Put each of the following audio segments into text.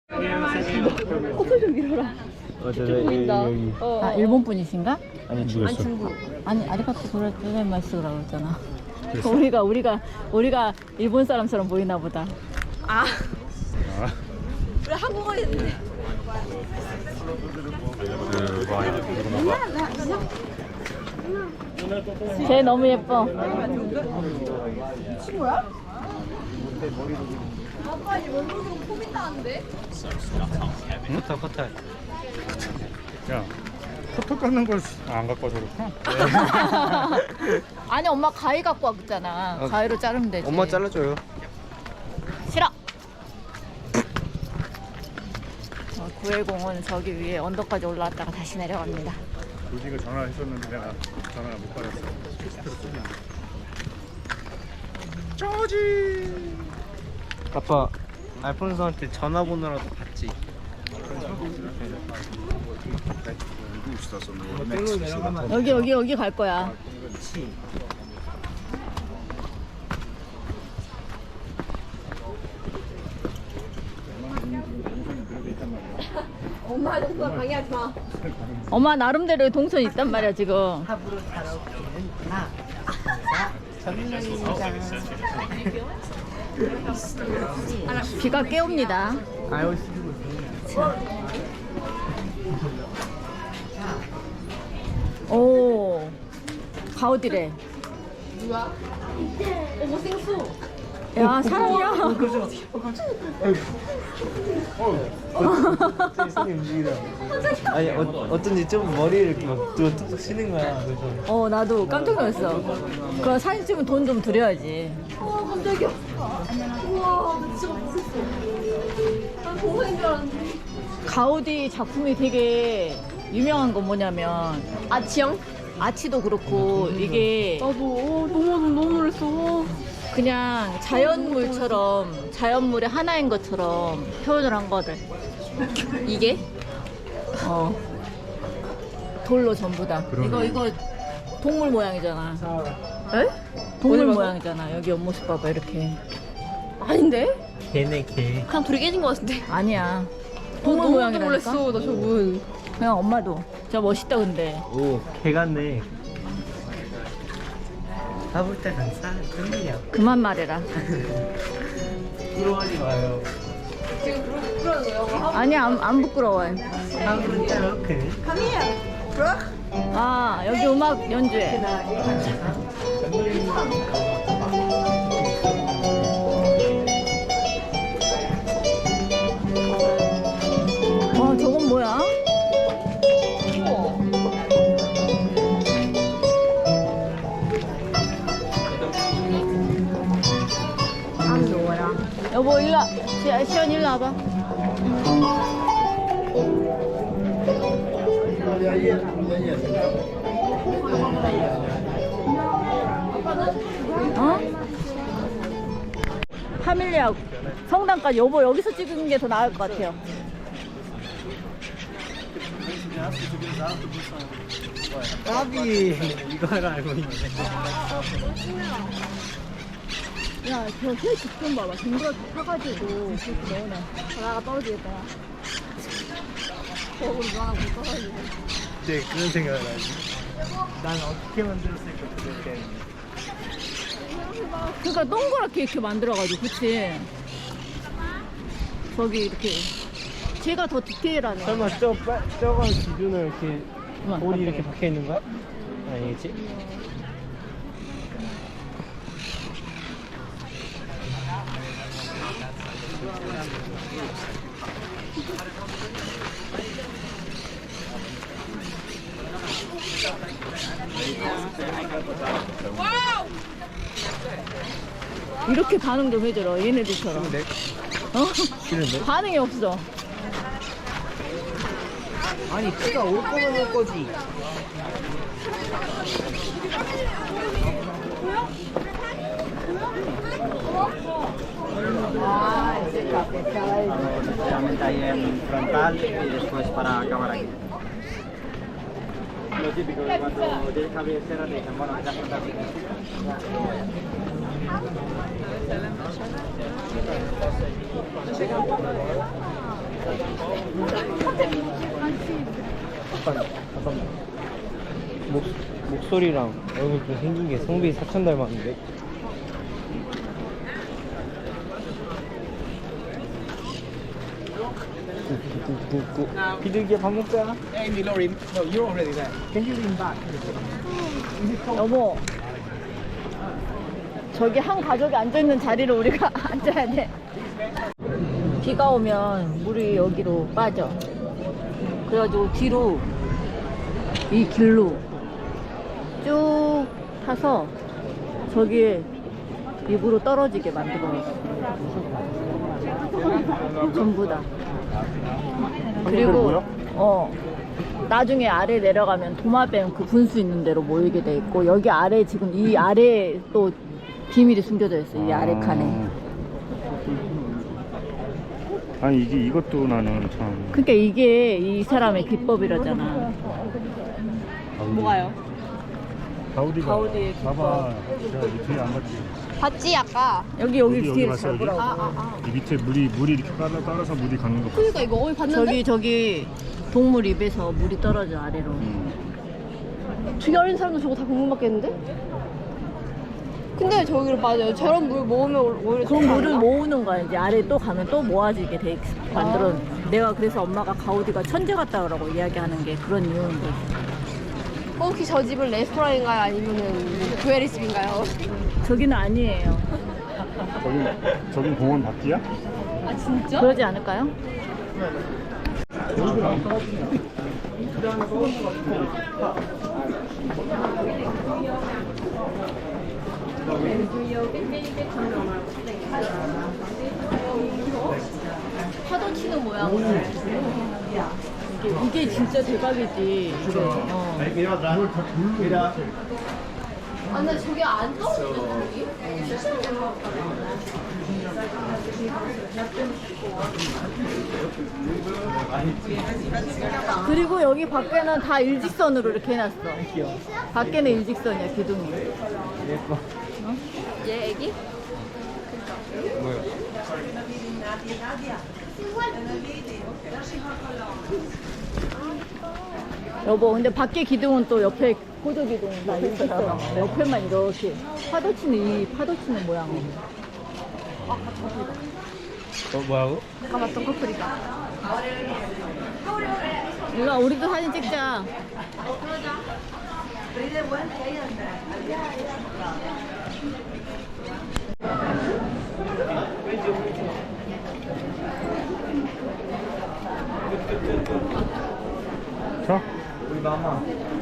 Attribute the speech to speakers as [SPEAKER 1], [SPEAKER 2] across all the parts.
[SPEAKER 1] 코털 좀 밀어라. 보인다.
[SPEAKER 2] 아, 일본 분이신가?
[SPEAKER 3] 아니 죽였어.
[SPEAKER 1] 중국.
[SPEAKER 2] 아니, 아리가토 고자이마스라고 했잖아. 우리가 일본 사람처럼 보이나 보다.
[SPEAKER 1] 아,
[SPEAKER 3] 아.
[SPEAKER 1] 우리 한국어 했는데.
[SPEAKER 2] 쟤 너무 예뻐.
[SPEAKER 1] 친구야? 아빠 이 원룸으로 폼이 나는데?
[SPEAKER 3] 커터. 야, 커터 깎는 걸 안 갖고 와서 그렇구나.
[SPEAKER 2] 아니, 엄마 가위 갖고 왔잖아. 가위로 자르면 되지.
[SPEAKER 4] 엄마 잘라줘요.
[SPEAKER 2] 싫어. 910은 저기 위에 언덕까지 올라왔다가 다시 내려갑니다.
[SPEAKER 3] 조지가 전화했었는데 내가 전화를 못 받았어. 조지.
[SPEAKER 4] 아빠 알폰소한테 전화번호라도 받지. 땡로 내려가면
[SPEAKER 2] 여기 갈 거야.
[SPEAKER 4] 그렇지.
[SPEAKER 1] 엄마 동선 방해하지 마.
[SPEAKER 2] 엄마 나름대로 동선 있단 말이야 지금.
[SPEAKER 4] 합으로 살아오기는 전문입니다.
[SPEAKER 2] 비가 깨옵니다.
[SPEAKER 4] 아유
[SPEAKER 2] 오, 가우디래.
[SPEAKER 1] 누가? 어머 생수.
[SPEAKER 2] 야, 사람이야.
[SPEAKER 4] 손이 움직이다. 아니 어쩐지 좀 머리를 이렇게 막 뚝뚝 치는 거야. 그래서
[SPEAKER 2] 나도 깜짝 놀랐어. 그 사진 찍으면 돈 좀 드려야지.
[SPEAKER 1] 우와 깜짝이야. 우와 나 진짜 못했어. 난 동생인 줄 알았는데.
[SPEAKER 2] 가우디 작품이 되게 유명한 건 뭐냐면
[SPEAKER 1] 아치형?
[SPEAKER 2] 아치도 그렇고 이게
[SPEAKER 1] 나도 너무 놀랐어.
[SPEAKER 2] 그냥 자연물처럼 자연물의 하나인 것처럼 표현을 한 거를.
[SPEAKER 1] 이게?
[SPEAKER 2] 돌로 전부 다. 이거 동물 모양이잖아.
[SPEAKER 1] 에?
[SPEAKER 2] 동물
[SPEAKER 1] 어디 봐서?
[SPEAKER 2] 모양이잖아. 여기 옆모습 봐봐 이렇게.
[SPEAKER 1] 아닌데?
[SPEAKER 4] 걔네 걔.
[SPEAKER 1] 그냥 불이 깨진 것 같은데.
[SPEAKER 2] 아니야. 동물
[SPEAKER 1] 너무
[SPEAKER 2] 모양이라니까.
[SPEAKER 1] 놀랐어 나 저분.
[SPEAKER 2] 그냥 엄마도. 진짜 멋있다 근데.
[SPEAKER 4] 오, 개 같네. 가볼 때 간사 흔들려.
[SPEAKER 2] 그만 말해라.
[SPEAKER 4] 부러워하지 마요.
[SPEAKER 1] 지금 그러는 거예요?
[SPEAKER 2] 아니야 안 부끄러워요.
[SPEAKER 4] 가볼 때 이렇게.
[SPEAKER 2] 아 여기 음악 연주회. 와 저건 뭐야? 여보 일로 와. 시연 일로 와봐. 어? 파밀리아 성당까지 여보 여기서 찍은 게 더 나을 것 같아요.
[SPEAKER 4] 까비 이걸 알고 있네.
[SPEAKER 2] 야, 저새 집좀 봐봐. 댕그랗게 타가지고 그렇게 넣어놔. 바다가 떨어지겠다. 거울 누나하고 떨어지고.
[SPEAKER 4] 네 그런 생각을 하지. 난 어떻게 만들었을까 그렇게.
[SPEAKER 2] 그러니까 동그랗게 이렇게 만들어가지고, 그치? 저기 이렇게. 제가 더 디테일하네.
[SPEAKER 4] 설마 저거 기준으로 이렇게
[SPEAKER 2] 그만,
[SPEAKER 4] 볼이 이렇게
[SPEAKER 2] 깜짝이야.
[SPEAKER 4] 박혀 있는 거야? 아니겠지?
[SPEAKER 2] 이렇게 반응 좀 해줘라, 얘네들처럼.
[SPEAKER 4] 근데
[SPEAKER 2] 어?
[SPEAKER 4] 싫은데?
[SPEAKER 2] 반응이 없어.
[SPEAKER 4] 아니 비가 올 거면 올 거지.
[SPEAKER 5] frontal y después para acabar aquí. Lo típico que cuando tienes cabecera te dicen, bueno, ya frontal
[SPEAKER 4] 약간 목소리랑 얼굴 좀 생긴 게 성빈이 사촌 닮았는데. 비둘기야 밥 먹자.
[SPEAKER 2] 여보, 저기 한 가족이 앉아있는 자리를 우리가 앉아야 돼. 비가 오면 물이 여기로 빠져. 그래가지고 뒤로 이 길로 쭉 타서 저기에 입으로 떨어지게 만들어놨어. 전부 다. 그리고 나중에 아래 내려가면 도마뱀 그 분수 있는 데로 모이게 돼 있고, 여기 아래 지금 이 아래에 또 비밀이 숨겨져 있어. 이 아래 칸에.
[SPEAKER 3] 아니 이것도 나는 참.
[SPEAKER 2] 그러니까 이게 이 사람의 기법이라잖아.
[SPEAKER 1] 뭐가요?
[SPEAKER 3] 가우디가.
[SPEAKER 2] 가우디의 기법.
[SPEAKER 3] 봐봐. 제가 이 뒤에 안 봤지.
[SPEAKER 1] 봤지 아까.
[SPEAKER 2] 여기
[SPEAKER 3] 여기
[SPEAKER 2] 뒤에
[SPEAKER 3] 봤어, 여기?
[SPEAKER 2] 잡으라고.
[SPEAKER 3] 이 밑에 물이 이렇게 따라서 물이 가는 거.
[SPEAKER 1] 그러니까 이거 어디 봤는데?
[SPEAKER 2] 저기 동물 입에서 물이 떨어져 아래로.
[SPEAKER 1] 되게 어린 사람도 저거 다 궁금받겠는데? 근데 저기를 맞아요. 저런 물 모으면 오히려
[SPEAKER 2] 그 물을 모으는 거야. 이제 아래 또 가면 또 모아지게 돼 만들어. 내가 그래서 엄마가 가우디가 천재 같다고 이야기하는 게 그런 이유인 거지.
[SPEAKER 1] 혹시 저 집은 레스토랑인가요? 아니면은 조회리 집인가요?
[SPEAKER 2] 저기는 아니에요.
[SPEAKER 3] 저긴 공원 밖이야?
[SPEAKER 1] 아 진짜?
[SPEAKER 2] 그러지 않을까요? 파도 치는 모양. 이게 진짜 대박이지. 이게.
[SPEAKER 1] 아 근데 저게 안 떨어지는 저기?
[SPEAKER 2] 그리고 여기 밖에는 다 일직선으로 이렇게 해놨어. 밖에는 일직선이야, 기둥이.
[SPEAKER 4] 예뻐.
[SPEAKER 1] 얘 애기?
[SPEAKER 4] 뭐야?
[SPEAKER 2] 여보, 근데 밖에 기둥은 또 옆에 고조 기둥은 다 있어서 옆에만 이렇게 파도 치는 모양으로.
[SPEAKER 4] 뭐라고?
[SPEAKER 1] 아까 봤던 커플이다.
[SPEAKER 2] 일로 와, 우리도 사진 찍자.
[SPEAKER 3] 자.
[SPEAKER 4] 우리 마마.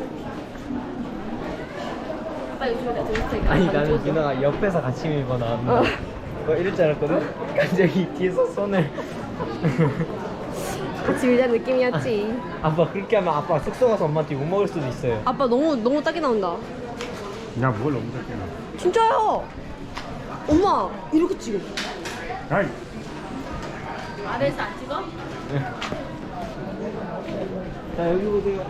[SPEAKER 1] 빨리 저기다 저기
[SPEAKER 4] 아니 나는 누나가 옆에서 같이 밀고 나왔는데 이럴 줄 알았거든? 갑자기 뒤에서 손을
[SPEAKER 1] 같이 밀자는 느낌이었지.
[SPEAKER 4] 아빠 그렇게 하면 아빠 숙소 가서 엄마한테 욕 먹을 수도 있어요.
[SPEAKER 1] 아빠 너무 딱이 나온다.
[SPEAKER 3] 야 뭘 너무 작게 나.
[SPEAKER 1] 진짜요? 엄마 이렇게 찍어.
[SPEAKER 3] 아이.
[SPEAKER 2] 아래에서 안 찍어?
[SPEAKER 4] 자 여기 보세요.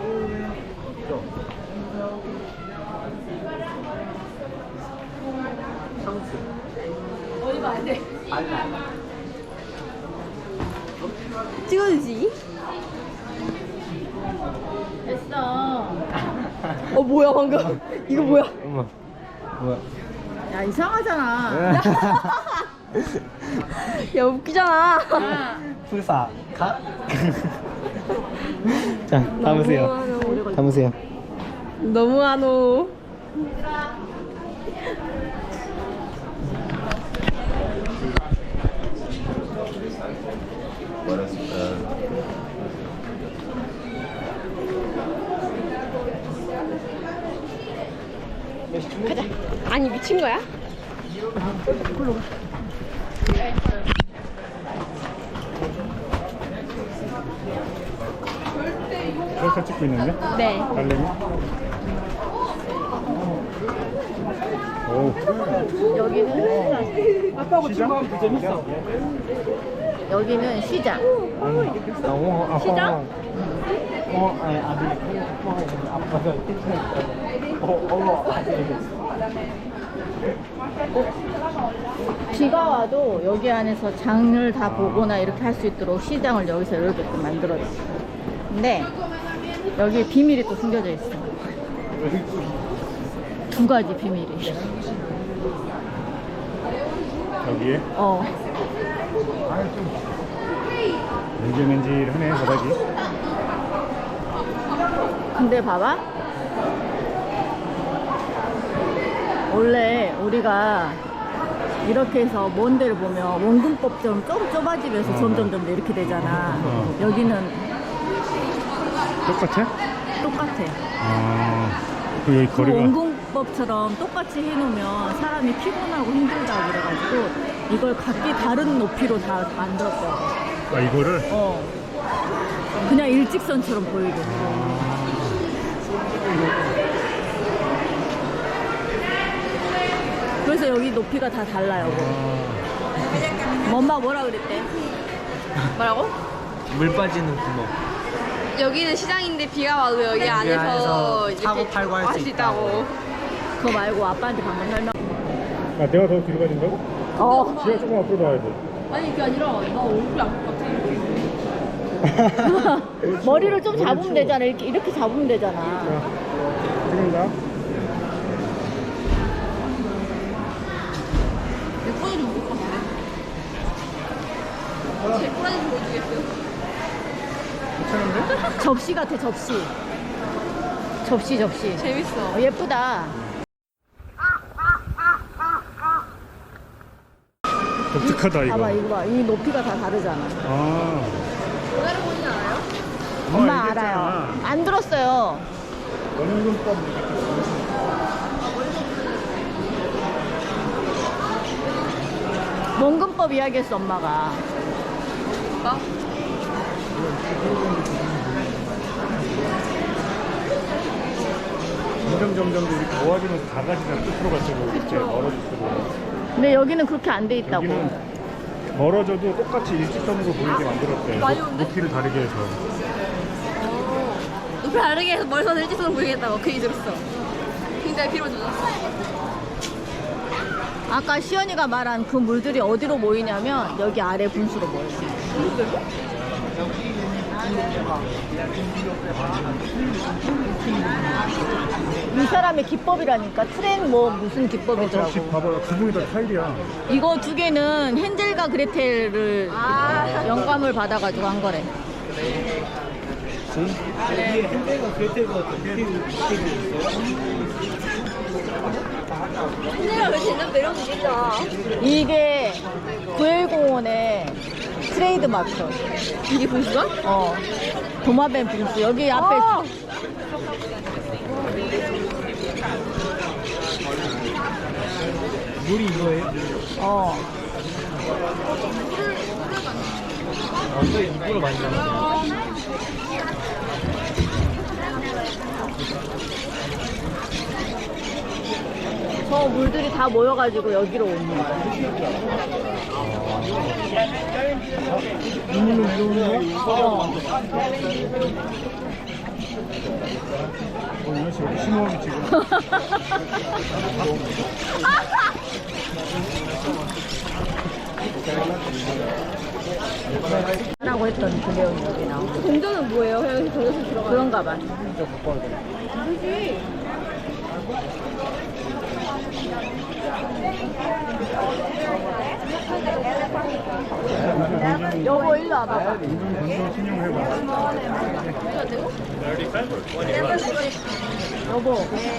[SPEAKER 4] 상수.
[SPEAKER 2] 어디 봐, 안 돼.
[SPEAKER 1] 찍어주지.
[SPEAKER 2] 됐어.
[SPEAKER 1] 뭐야 방금? 이거 뭐야?
[SPEAKER 4] 엄마. 뭐야?
[SPEAKER 2] 야, 이상하잖아.
[SPEAKER 1] 야 웃기잖아.
[SPEAKER 2] 야,
[SPEAKER 4] 풀사 가. 자 담으세요. 담으세요.
[SPEAKER 1] 너무하노. 가자. 아니 미친 거야?
[SPEAKER 3] 셀카 찍고 있는데?
[SPEAKER 1] 네.
[SPEAKER 3] 달래미? 오.
[SPEAKER 2] 여기는 시장.
[SPEAKER 4] 시장? 아니 아들 아빠가
[SPEAKER 2] 비가 와도 여기 안에서 장을 다 보거나 이렇게 할 수 있도록 시장을 여기서 이렇게 만들어줬어. 근데 여기 비밀이 또 숨겨져 있어. 두 가지 비밀이.
[SPEAKER 3] 여기에
[SPEAKER 2] 어.
[SPEAKER 3] 맨질맨질하네 바닥이.
[SPEAKER 2] 근데 봐봐. 원래 우리가 이렇게 해서 먼 데를 보면 원근법처럼 좀 좁아지면서 점점점 이렇게 되잖아. 여기는
[SPEAKER 3] 똑같아?
[SPEAKER 2] 똑같아.
[SPEAKER 3] 그 여기
[SPEAKER 2] 그
[SPEAKER 3] 거리가
[SPEAKER 2] 원근법처럼 똑같이 해놓으면 사람이 피곤하고 힘들다고 그래가지고 이걸 각기 다른 높이로 다 만들었더라고.
[SPEAKER 3] 이거를
[SPEAKER 2] 어. 그냥 일직선처럼 보이게. 그래서 여기 높이가 다 달라요. 엄마 뭐라 그랬대?
[SPEAKER 1] 뭐라고?
[SPEAKER 4] 물 빠지는 구멍.
[SPEAKER 1] 여기는 시장인데 비가 와도 여기 안에서
[SPEAKER 5] 안에서
[SPEAKER 1] 이렇게
[SPEAKER 5] 사고 팔고 할수
[SPEAKER 1] 할수 있다고.
[SPEAKER 2] 그거 말고 아빠한테 방금 설명.
[SPEAKER 3] 내가 더 뒤로 가야 된다고?
[SPEAKER 2] 어.
[SPEAKER 3] 지가 조금 앞으로 나와야 돼.
[SPEAKER 1] 아니 그게 아니라 나 얼굴이 아플 것 같아.
[SPEAKER 2] 머리를 좀 잡으면 되잖아. 이렇게 잡으면 되잖아.
[SPEAKER 3] 찍는다.
[SPEAKER 1] 내 꼬리 좀 못 봤네. 제 꼬리 좀 보여주겠어요?
[SPEAKER 3] 괜찮은데?
[SPEAKER 2] 접시 같아, 접시. 접시.
[SPEAKER 1] 재밌어.
[SPEAKER 2] 예쁘다.
[SPEAKER 3] 독특하다 이거.
[SPEAKER 2] 봐봐, 이거 봐. 이 높이가 다 다르잖아.
[SPEAKER 1] 전화를 보진 않아요?
[SPEAKER 2] 엄마
[SPEAKER 3] 얘기했잖아.
[SPEAKER 2] 알아요. 안 들었어요.
[SPEAKER 3] 원근법
[SPEAKER 2] 원근법 이야기했어, 엄마가.
[SPEAKER 1] 오빠?
[SPEAKER 3] 점점 이렇게 모아지면서 작아지잖아. 끝으로 갈수록 이렇게 멀어질수록.
[SPEAKER 2] 근데 여기는 그렇게 안 돼 있다고.
[SPEAKER 3] 여기는 멀어져도 똑같이 일직선으로 보이게 만들었대.
[SPEAKER 1] 많이 온대?
[SPEAKER 3] 높이를 다르게 해서.
[SPEAKER 1] 높이 다르게 해서 머리선 일직선으로 보이겠다고 그 얘기 들었어. 근데 비로 늦었어.
[SPEAKER 2] 아까 시연이가 말한 그 물들이 어디로 모이냐면 여기 아래 분수로 모여요. 이 사람의 기법이라니까. 트렌 뭐 무슨
[SPEAKER 3] 저기
[SPEAKER 2] 기법이더라고.
[SPEAKER 3] 봐봐. 구멍이 다 타일이야.
[SPEAKER 2] 이거 두 개는 헨젤과 그레텔을 영감을 받아가지고 한 거래.
[SPEAKER 4] 여기에 핸들과 그레텔과 어떻게 있어요?
[SPEAKER 1] 내가 왜 쟤는 내려오겠다.
[SPEAKER 2] 이게 구엘공원의 트레이드 마크.
[SPEAKER 1] 이게 분수가?
[SPEAKER 2] 어. 도마뱀 분수. 여기 앞에
[SPEAKER 4] 물이 이거예요?
[SPEAKER 2] 어.
[SPEAKER 4] 또 입으로 많이 나오네.
[SPEAKER 2] 저 물들이 다 모여가지고 여기로 오는 거야.
[SPEAKER 3] 이런 식으로 심호흡이 지금.
[SPEAKER 2] 라고 했던 그 내용이 여기 나오고.
[SPEAKER 1] 동전은 뭐예요? 그냥 동전에서 들어가.
[SPEAKER 2] 그런가 봐. 여보 일로 와봐.
[SPEAKER 3] 동전 신용해봐.
[SPEAKER 2] 여보.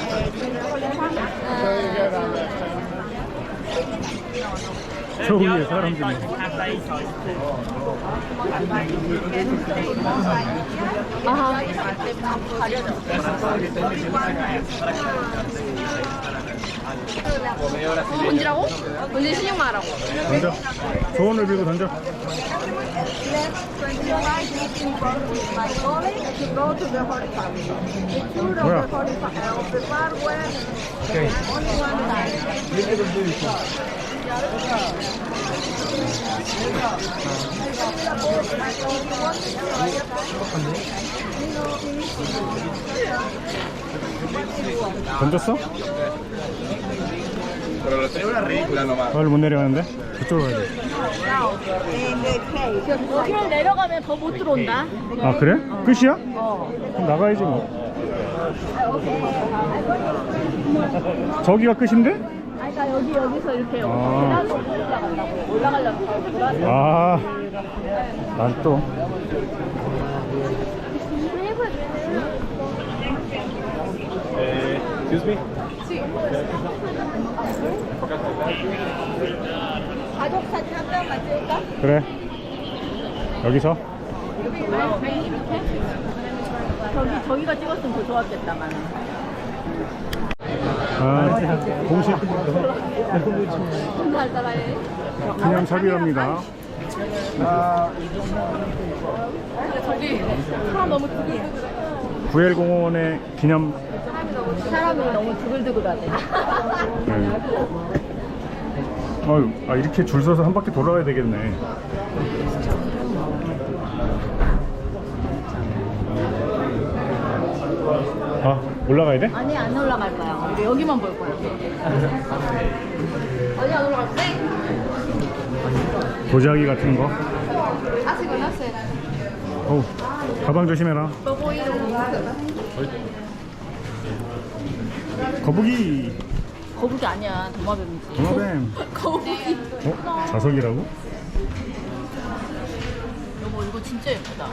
[SPEAKER 3] 저 위에 사람들이.
[SPEAKER 2] 아하.
[SPEAKER 1] 뭔지라고? 뭔지 신용만 하라고.
[SPEAKER 3] 던져. 조언을 빌고 던져. 뭐야?
[SPEAKER 4] 오케이. 이렇게 던져 있어.
[SPEAKER 3] 던졌어?
[SPEAKER 6] Pero lo tengo una ridícula nomás.
[SPEAKER 3] 빨리 못 내려가는데? 그쪽으로 가야 돼.
[SPEAKER 2] 여기를 내려가면 더 못 들어온다.
[SPEAKER 3] 아 그래? 끝이야?
[SPEAKER 2] 어.
[SPEAKER 3] 그럼 나가야지 뭐. 저기가 끝인데?
[SPEAKER 2] 아니, 그러니까 여기서 이렇게
[SPEAKER 3] 아.
[SPEAKER 2] 계단으로 올라가려고. 올라가려고 돌아서.
[SPEAKER 3] 아, 난 또.
[SPEAKER 6] Excuse me?
[SPEAKER 2] 가족 사진 한 장만 찍을까?
[SPEAKER 3] 그래. 여기서?
[SPEAKER 2] 저기가 찍었으면 더 좋았겠다만.
[SPEAKER 3] 아, 공식 기념 삽입합니다.
[SPEAKER 2] 저기 사람 너무 두글두글.
[SPEAKER 3] 구엘공원의 기념.
[SPEAKER 2] 사람이 너무 두글두글하네.
[SPEAKER 3] 네. 어휴, 아 이렇게 줄 서서 한 바퀴 돌아야 되겠네. 아, 올라가야 돼?
[SPEAKER 2] 아니, 안 올라갈 거야. 우리 여기만 볼 거야. 아니, 안 올라갈 거야.
[SPEAKER 3] 도자기 같은 거.
[SPEAKER 1] 아직 안 왔어요.
[SPEAKER 3] 어우, 가방 조심해라. 거북이.
[SPEAKER 2] 거북이 아니야. 도마뱀이지.
[SPEAKER 3] 도마뱀.
[SPEAKER 2] 거북이.
[SPEAKER 3] 어? 자석이라고?
[SPEAKER 2] 여보, 이거 진짜 예쁘다.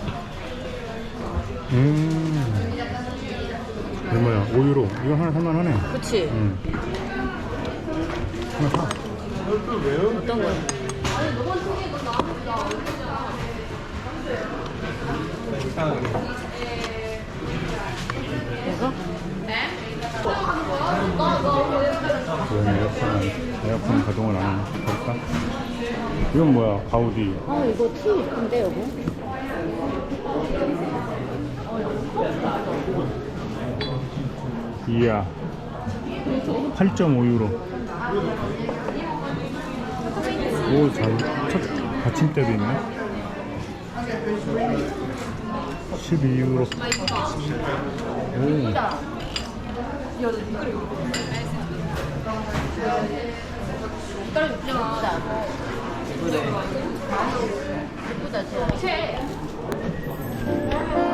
[SPEAKER 3] 이거 뭐야? 5유로. 이거 하나 살만하네.
[SPEAKER 2] 그치?
[SPEAKER 3] 하나 사.
[SPEAKER 2] 어떤 거야? 이거?
[SPEAKER 3] 왜 에어컨 가동을 안 하나? 볼까? 이건 뭐야? 가우디.
[SPEAKER 2] 이거 티 예쁜데, 여보?
[SPEAKER 3] 이야. 8.5유로. 오, 첫 받침대도 있네. 12유로. 오.
[SPEAKER 2] 예쁘다, 진짜.